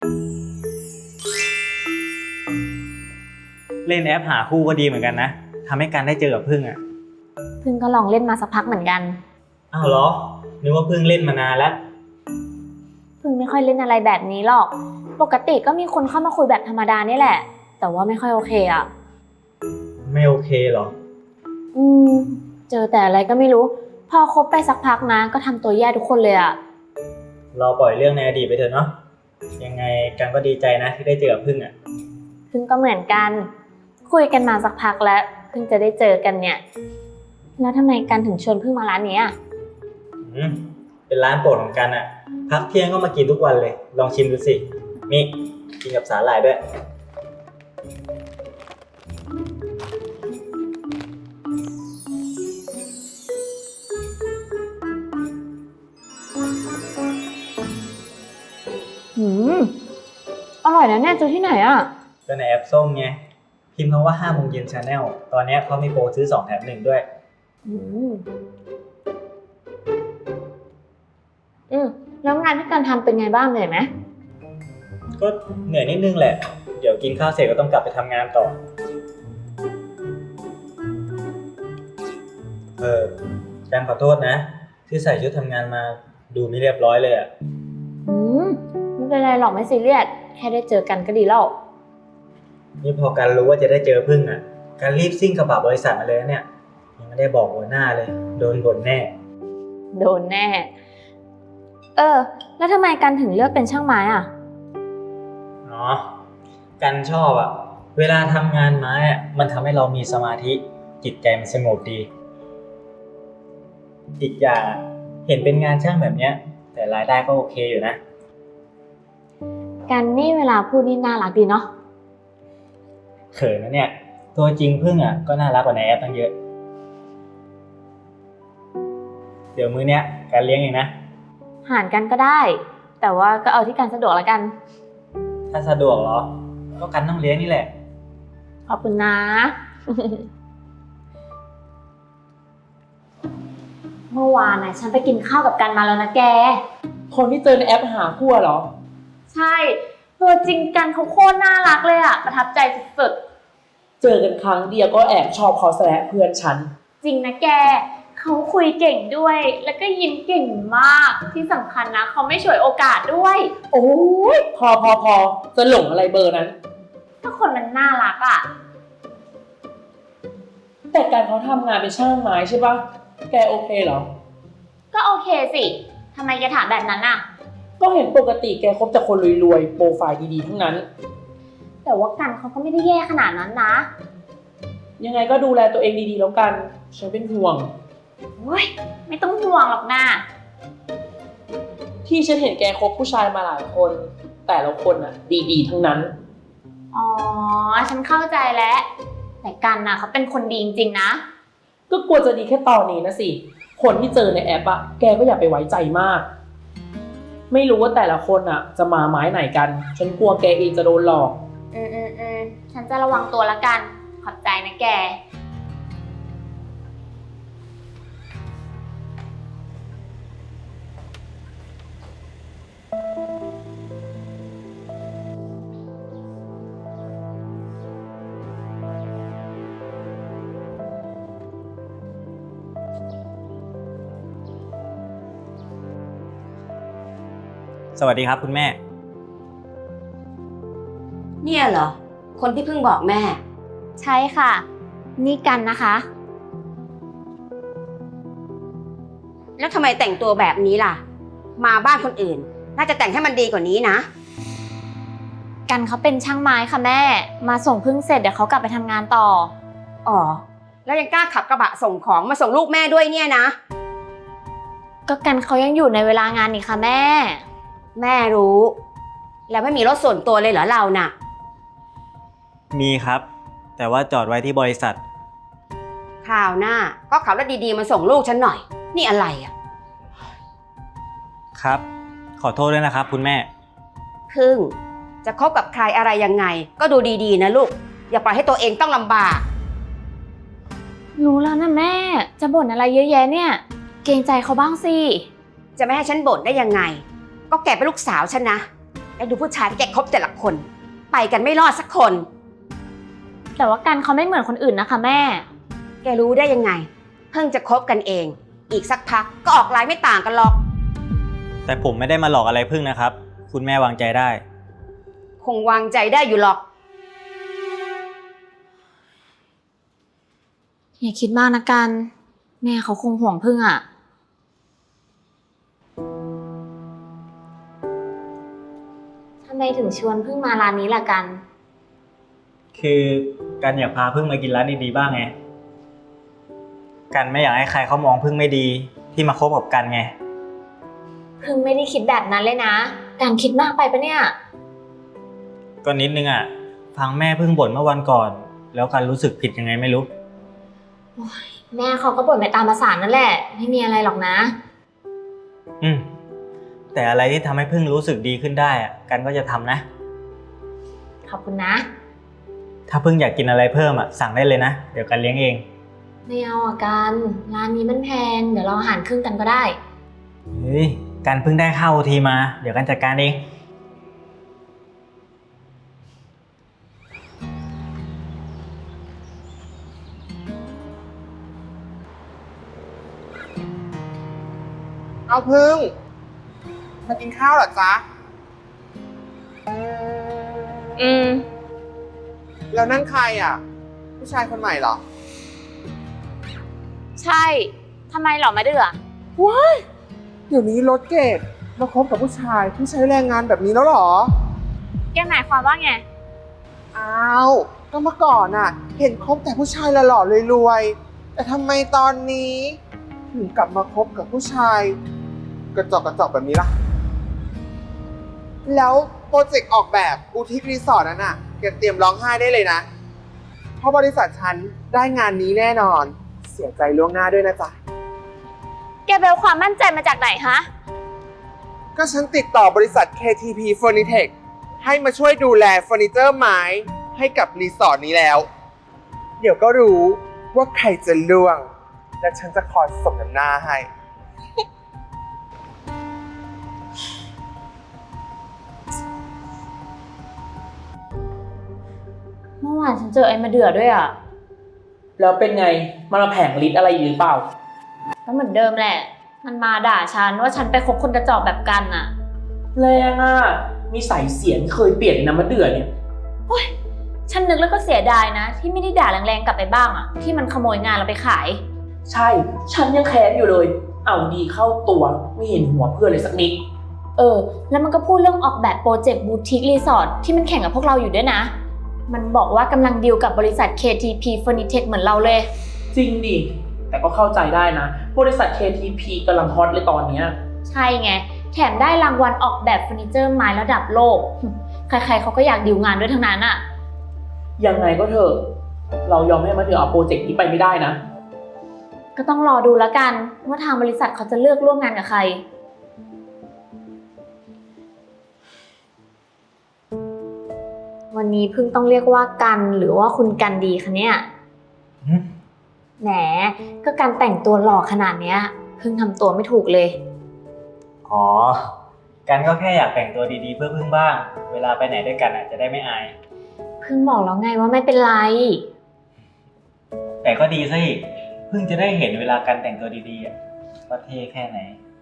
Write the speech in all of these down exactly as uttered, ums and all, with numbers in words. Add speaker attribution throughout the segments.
Speaker 1: เล่นแอปหาคู่ก็ดีเหมือนกันนะทำให้กันได้เจอกับพึ่งอ่ะ
Speaker 2: พึ่งก็ลองเล่นมาสักพักเหมือนกัน
Speaker 1: อ้าวเหรอนึกว่าพึ่งเล่นมานานแล้ว
Speaker 2: พึ่งไม่ค่อยเล่นอะไรแบบนี้หรอกปกติก็มีคนเข้ามาคุยแบบธรรมดานี่แหละแต่ว่าไม่ค่อยโอเคอ่ะ
Speaker 1: ไม่โอเคเหรอ
Speaker 2: อืมเจอแต่อะไรก็ไม่รู้พอคบไปสักพักนะก็ทำตัวแย่ทุกคนเลยอ่ะ
Speaker 1: เราปล่อยเรื่องในอดีตไปเถอะเนาะยังไงกันก็ดีใจนะที่ได้เจอกับพึ่งอ่ะ
Speaker 2: พึ่งก็เหมือนกันคุยกันมาสักพักแล้วเพิ่งจะได้เจอกันเนี่ยแล้วทำไมกันถึงชวนพึ่งมาร้านนี้อ่ะ
Speaker 1: อืมเป็นร้านโปรดของกันอ่ะพักเที่ยงก็มากินทุกวันเลยลองชิมดูสินี่กินกับสาหร่ายด้วย
Speaker 2: หืมอร่อยนะเนี่ยเจอที่ไหนอ่ะ
Speaker 1: ก็ในแอปส้มไงพิมพ์คำว่าห้าโมงเย็นชาแนลตอนนี้เขามีโปรซื้อสองแถมหนึ่งด้วย
Speaker 2: อืมอืมแล้วงานที่การทำเป็นไงบ้างเหนื่อยไหม
Speaker 1: ก็เหนื่อยนิดนึงแหละเดี๋ยวกินข้าวเสร็จก็ต้องกลับไปทำงานต่อเออแจมขอโทษนะที่ใส่ชุดทำงานมาดูไม่เรียบร้อยเลยอ่ะ
Speaker 2: อืมไม่เป็นไรหรอกไม่ซีเรียสแค่ได้เจอกันก็ดีแล้ว
Speaker 1: นี่พอการรู้ว่าจะได้เจอพึ่งอ่ะการรีบซิ่งกระบะบริษัทมาเลยเนี่ยยังไม่ได้บอกหัวหน้าเลยโดนบ่นแน่
Speaker 2: โดนแน่เออแล้วทำไมกันถึงเลือกเป็นช่างไม้อ่ะ
Speaker 1: อ๋อกันชอบอ่ะเวลาทำงานไม้อ่ะมันทำให้เรามีสมาธิจิตใจมันสงบดีอีกอย่างเห็นเป็นงานช่างแบบเนี้ยแต่รายได้ก็โอเคอยู่นะ
Speaker 2: กันนี่เวลาพูดนี่น่ารักดีเนาะ
Speaker 1: เขินนะเนี่ยตัวจริงพึ่งอ่ะก็น่ารักกว่าในแอปตั้งเยอะเดี๋ยวมื้อเนี้ยการเลี้ยงเองนะ
Speaker 2: หารกันก็ได้แต่ว่าก็เอาที่กันสะดวกแล้วกัน
Speaker 1: ถ้าสะดวกเหรอก็กันต้องเลี้ยงนี่แหละ
Speaker 2: ขอบคุณนะ เมื่อวานนะฉันไปกินข้าวกับกันมาแล้วนะแก
Speaker 3: คนที่เจอในแอปหาคู่เหรอ
Speaker 2: ใช่ตัวจริงกันเขาโคตรน่ารักเลยอะประทับใจสุด
Speaker 3: ๆเจอกันครั้งเดียวก็แอบชอบเขาซะแล้วเพื่อนฉัน
Speaker 2: จริงนะแกเขาคุยเก่งด้วยแล้วก็ยิ้มเก่งมากที่สำคัญนะเขาไม่ฉวยโอกาสด้วย
Speaker 3: โอ้ยพอพอพอจะหลงอะไรเบอร์นั้น
Speaker 2: ถ้าคนมันน่ารักอะ
Speaker 3: แต่การเขาทำงานเป็นช่างไม้ใช่ปะแกโอเคเหรอ
Speaker 2: ก็โอเคสิทำไมแกถามแบบนั้นอะ
Speaker 3: ก็เห็นปกติแกคบแต่คนรวยๆโปรไฟล์ดีๆทั้งนั้น
Speaker 2: แต่ว่ากันเขาก็ไม่ได้แย่ขนาดนั้นนะ
Speaker 3: ยังไงก็ดูแลตัวเองดีๆแล้วกันฉันเป็นห่วง
Speaker 2: โอ้ยไม่ต้องห่วงหรอกนะ
Speaker 3: ที่ฉันเห็นแกคบผู้ชายมาหลายคนแต่ละคนอ่ะดีๆทั้งนั้น
Speaker 2: อ๋อฉันเข้าใจแล้วแต่กันน่ะเขาเป็นคนดีจริงๆนะ
Speaker 3: ก็กลัวจะดีแค่ตอนนี้นะสิคนที่เจอในแอปอ่ะแกก็อย่าไปไว้ใจมากไม่รู้ว่าแต่ละคนอ่ะจะมาไม้ไหนกันฉันกลัวแกเองจะโดนหลอก
Speaker 2: อืมอืมอืมฉันจะระวังตัวละกันขอบใจนะแก
Speaker 1: สวัสดีครับคุณแม่
Speaker 4: เนี่ยเหรอคนที่เพิ่งบอกแม่
Speaker 2: ใช่ค่ะนี่กันนะคะ
Speaker 4: แล้วทำไมแต่งตัวแบบนี้ล่ะมาบ้านคนอื่นน่าจะแต่งให้มันดีกว่านี้นะ
Speaker 2: กันเขาเป็นช่างไม้ค่ะแม่มาส่งพึ่งเสร็จเดี๋ยวเขากลับไปทำงานต่อ
Speaker 4: อ๋อแล้วยังกล้าขับกระบะส่งของมาส่งลูกแม่ด้วยเนี่ยนะ
Speaker 2: ก็กันเขายังอยู่ในเวลางานนี่ค่ะแม่
Speaker 4: แม่รู้แล้วไม่มีรถส่วนตัวเลยเหรอเราน่ะ
Speaker 1: มีครับแต่ว่าจอดไว้ที่บริษัท
Speaker 4: คราวหน้าก็ขับรถดีๆมาส่งลูกฉันหน่อยนี่อะไรอ่ะ
Speaker 1: ครับขอโทษด้วยนะครับคุณแม่
Speaker 4: พึ่งจะคบกับใครอะไรยังไงก็ดูดีๆนะลูกอย่าปล่อยให้ตัวเองต้องลำบาก
Speaker 2: รู้แล้วนะแม่จะบ่นอะไรเยอะแยะเนี่ยเกรงใจเขาบ้างสิ
Speaker 4: จะไม่ให้ฉันบ่นได้ยังไงก็แกเป็นลูกสาวฉันนะแล้วดูผู้ชายที่แกคบแต่ละคน ไปกันไม่รอดสักคน
Speaker 2: แต่ว่ากันเขาไม่เหมือนคนอื่นนะคะแม่
Speaker 4: แกรู้ได้ยังไง เพิ่งจะคบกันเอง อีกสักพักก็ออกไลน์ไม่ต่างกันหรอก
Speaker 1: แต่ผมไม่ได้มาหลอกอะไรพึ่งนะครับ คุณแม่วางใจได้
Speaker 4: คงวางใจได้อยู่หรอก
Speaker 2: อย่าคิดมากนะกัน แม่เขาคงห่วงพึ่งอะทำไมถึงชวนพึ่งมาร้านนี้ล่ะกัน
Speaker 1: คือกันอยากพาพึ่งมากินร้านดีๆบ้างไง กันไม่อยากให้ใครเขามองพึ่งไม่ดีที่มาคบกับกันไง
Speaker 2: พึ่งไม่ได้คิดแบบนั้นเลยนะ การคิดมากไปปะเนี่ย
Speaker 1: ก็นิดนึงอ่ะ ฟังแม่พึ่งบ่นเมื่อวันก่อน แล้วกันรู้สึกผิดยังไงไม่รู้
Speaker 2: แม่เขาก็บ่นไปตามภาษานั่นแหละ ไม่มีอะไรหรอกนะ
Speaker 1: อืม แต่อะไรที่ทำให้พึ่งรู้สึกดีขึ้นได้อ่ะ กันก็จะทำนะ
Speaker 2: ขอบคุณนะ
Speaker 1: ถ้าพึ่งอยากกินอะไรเพิ่มอ่ะสั่งได้เลยนะ เดี๋ยวกันเลี้ยงเอง
Speaker 2: ไม่เอาอ่ะกัน ร้านนี้มันแพง เดี๋ยวเราอาหารครึ่งกันก็ได้
Speaker 1: เฮ้ย กันเพิ่งได้ข้าวทีมา เดี๋ยวกันจัดการเอง
Speaker 5: เอาพึ่งมากินข้าวเหรอจ๊ะ
Speaker 2: อืม
Speaker 5: แล้วนั่นใครอ่ะ ผู้ชายคนใหม่เหรอ
Speaker 2: ใช่ ทำไมหรอไม่เดือ
Speaker 5: ว้ายเดี๋ยวนี้รถเกรดมาคบกับผู้ชายที่ใช้แรงงานแบบนี้แล้วเหรอ
Speaker 2: แกหมายความว่าไง
Speaker 5: อ้าวก็เมื่อก่อนอ่ะ เห็นคบแต่ผู้ชายหล่อๆรวยๆแต่ทำไมตอนนี้ถึงกลับมาคบกับผู้ชาย กระจอกกระจอกแบบนี้ล่ะ แล้วโปรเจกต์ออกแบบบูติกรีสอร์ทนั้นน่ะแกเตรียมร้องไห้ได้เลยนะ เพราะบริษัทฉันได้งานนี้แน่นอน เสียใจล่วงหน้าด้วยนะจ๊ะ
Speaker 2: แกไปเอาความมั่นใจมาจากไหนฮะ
Speaker 5: ก็ฉันติดต่อบริษัท เค ที พี Furnitech ให้มาช่วยดูแลเฟอร์นิเจอร์ไม้ให้กับรีสอร์ทนี้แล้ว เดี๋ยวก็รู้ว่าใครจะล่วง และฉันจะคอยสมน้ำหน้าให้
Speaker 2: เมื่อวานฉันเจอไอ้มาเดือด้วยอ่ะ
Speaker 3: แล้วเป็นไง มันมาแผงฤทธิ์อะไรอยู่หรือเปล่า
Speaker 2: ก็เหมือนเดิมแหละ มันมาด่าฉันว่าฉันไปคบคนกระจอกแบบกันอ่ะ
Speaker 3: แรงอ่ะ มีสายเสียงเคยเปลี่ยนนะมะเดื่อเนี่ย
Speaker 2: ฉันนึกแล้วก็เสียดายนะ ที่ไม่ได้ด่าแรงๆกลับไปบ้างอ่ะ ที่มันขโมยงานเราไปขาย
Speaker 3: ใช่ ฉันยังแค้นอยู่เลย เอาดีเข้าตัวไม่เห็นหัวเพื่อนเลยสักนิด
Speaker 2: เออ แล้วมันก็พูดเรื่องออกแบบโปรเจกต์บูติกรีสอร์ทที่มันแข่งกับพวกเราอยู่ด้วยนะ มันบอกว่ากำลังดีลกับบริษัท เค ที พี Furnitech เหมือนเราเลย
Speaker 3: จริงดิ แต่ก็เข้าใจได้นะ บริษัท เค ที พี กำลังฮอตเลยตอนเนี้ย
Speaker 2: ใช่ไง แถมได้รางวัลออกแบบเฟอร์นิเจอร์ไม้ระดับโลก ใครๆเขาก็อยากดีลงานด้วยทั้งนั้นอ่ะ
Speaker 3: ยังไงก็เถอะ เรายอมให้มะเดื่อเอาโปรเจกต์นี้ไปไม่ได้นะ
Speaker 2: ก็ต้องรอดูแล้วกันว่าทางบริษัทเขาจะเลือกร่วมงานกับใคร วันนี้เพิ่งต้องเรียกว่ากันหรือว่าคุณกันดีคะเนี่ย
Speaker 1: หึ
Speaker 2: แหม ก็การแต่งตัวหล่อขนาดเนี้ยเพิ่งทำตัวไม่ถูกเลย
Speaker 1: อ๋อ กันก็แค่อยากแต่งตัวดีๆเพื่อพึ่งบ้าง เวลาไปไหนด้วยกันอ่ะจะได้ไม่อาย
Speaker 2: เพิ่งบอกแล้วไงว่าไม่เป็นไร
Speaker 1: แต่ก็ดีซะอีกพึ่งจะได้เห็นเวลากันแต่งตัวดีๆอ่ะว่าเท่แค่ไหน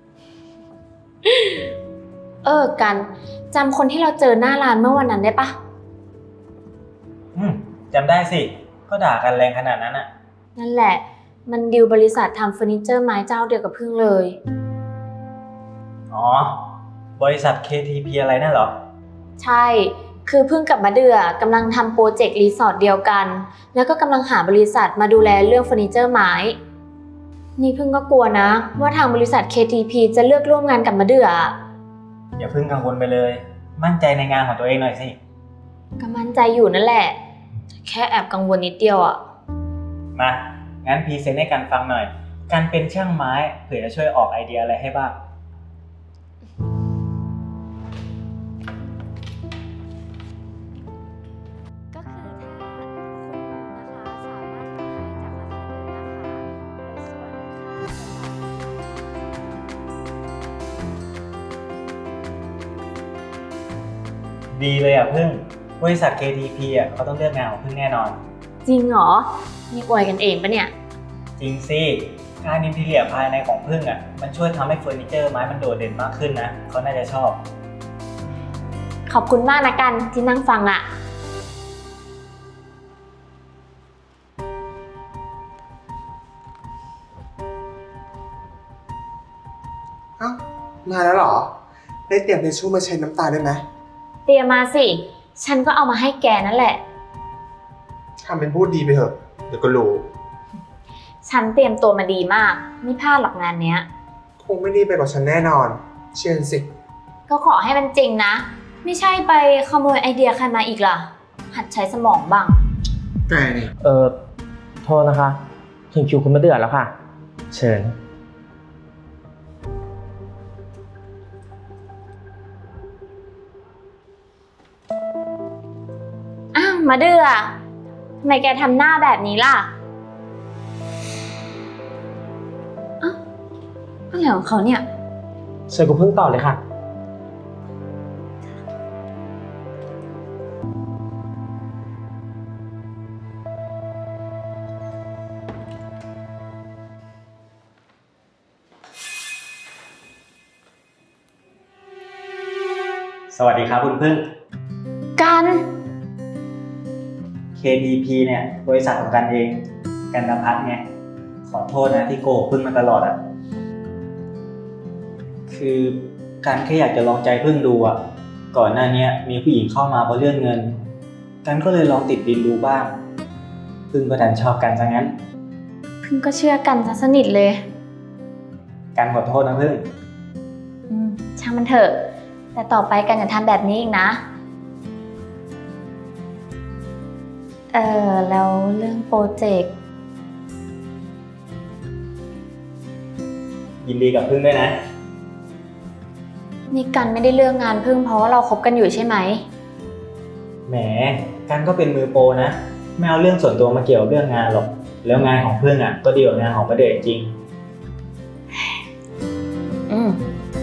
Speaker 2: เออกันจำคนที่เราเจอหน้าร้านเมื่อวันนั้นได้ปะ
Speaker 1: อืมจำได้สิ ก็ด่ากันแรงขนาดนั้นอ่ะ
Speaker 2: นั่นแหละ มันดีลบริษัททำเฟอร์นิเจอร์ไม้เจ้าเดียวกับพึ่งเลย
Speaker 1: อ๋อ บริษัท เค ที พี อะไรนั่นเหรอ
Speaker 2: ใช่ คือพึ่งกับมะเดื่อกำลังทำโปรเจกต์รีสอร์ทเดียวกัน แล้วก็กำลังหาบริษัทมาดูแลเรื่องเฟอร์นิเจอร์ไม้ นี่พึ่งก็กลัวนะ ว่าทางบริษัท เค ที พี จะเลือกร่วมงานกับมะเดื่อ
Speaker 1: อย่าเพิ่งกังวลไปเลย มั่นใจในงานของตัวเองหน่อยสิ
Speaker 2: ก็มั่นใจอยู่นั่นแหละ แค่แอบกังวลนิดเดียวอะ
Speaker 1: มา งั้นพรีเซนต์ให้กันฟังหน่อย การเป็นช่างไม้เผื่อจะช่วยออกไอเดียอะไรให้บ้าง
Speaker 2: ก็คือถ้าคุณนะคะสามารถขายจากราคาเดิมนะคะส่วนค่า
Speaker 1: ดีเลยอ่ะพึ่ง บริษัท เค ที พี อ่ะเขาต้องเลือกงานของพึ่งแน่นอน
Speaker 2: จริงเหรอนี่อวยกันเองปะเนี่ย
Speaker 1: จริงสิงานอินทีเรียภายในของพึ่งอ่ะมันช่วยทำให้เฟอร์นิเจอร์ไม้มันโดดเด่นมากขึ้นนะเขาน่าจะชอบ
Speaker 2: ขอบคุณมากนะกันที่นั่งฟังอะ
Speaker 5: เอ้ามาแล้วเหรอ ได้เตรียมทิชชู่มาเช็ดน้ำตาด้วยไหม
Speaker 2: เตรียมมาสิ ฉันก็เอามาให้แกนั่นแหละ
Speaker 5: ทำเป็นพูดดีไปเถอะ เดี๋ยวก็รู้
Speaker 2: ฉันเตรียมตัวมาดีมาก ไม่พลาดหรอกงานเนี้ย
Speaker 5: คงไม่ดีไปกว่าฉันแน่นอน เชื่อสิ
Speaker 2: ก็ขอให้มันจริงนะ ไม่ใช่ไปขโมยไอเดียใครมาอีกล่ะ หัดใช้สมองบ้าง
Speaker 5: แกนี่
Speaker 3: เออโทษนะคะ ถึงคิวคุณมาเดือดแล้วค่ะ เชิญ
Speaker 2: อ้าวมาเดือทำไมแกทำหน้าแบบนี้ล่ะอ้าวอะไรของเขาเนี่ย
Speaker 3: เชิญคุณพึ่งต่อเลยค่ะ
Speaker 1: สวัสดีครับคุณพึ่ง
Speaker 2: กัน
Speaker 1: เค ที พี เนี่ยบริษัทของกันเองกันนภัทรไงขอโทษนะที่โกหกพึ่งมาตลอดอ่ะคือกันแค่อยากจะลองใจพึ่งดูอ่ะก่อนหน้านี้มีผู้หญิงเข้ามาเพราะเรื่องเงินกันก็เลยลองติดดินดูบ้างพึ่งก็ดันชอบกันซะงั้น
Speaker 2: เพิ่งก็เชื่อกันซะสนิทเลย
Speaker 1: กันขอโทษนะพึ่ง
Speaker 2: อืมช่างมันเถอะ แต่ต่อไปกันอย่าทำแบบนี้อีกนะ เออแล้วเรื่องโปรเจกต์
Speaker 1: ยินดีกับพึ่งด้วยนะ
Speaker 2: นี่กันไม่ได้เลือกงานพึ่งเพราะว่าเราคบกันอยู่ใช่ไหม
Speaker 1: แหมกันก็เป็นมือโปรนะไม่เอาเรื่องส่วนตัวมาเกี่ยวเรื่องงานหรอกแล้วงานของพึ่งอ่ะก็ดีกว่างานของประเดชจริง
Speaker 2: อืม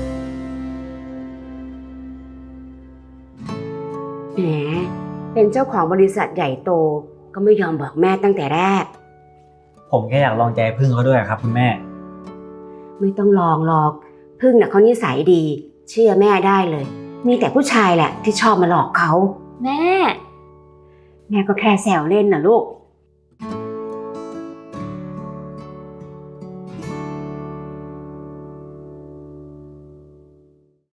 Speaker 4: แหม เป็นเจ้าของบริษัทใหญ่โตก็ไม่ยอมบอกแม่ตั้งแต่แรก
Speaker 1: ผมแค่อยากลองใจพึ่งเขาด้วยครับคุณแม่
Speaker 4: ไม่ต้องลองหรอก พึ่งน่ะเขานิสัยดี เชื่อแม่ได้เลย มีแต่ผู้ชายแหละที่ชอบมาหลอกเขา
Speaker 2: แม่
Speaker 4: แม่ก็แค่แซวเล่นน่ะลูก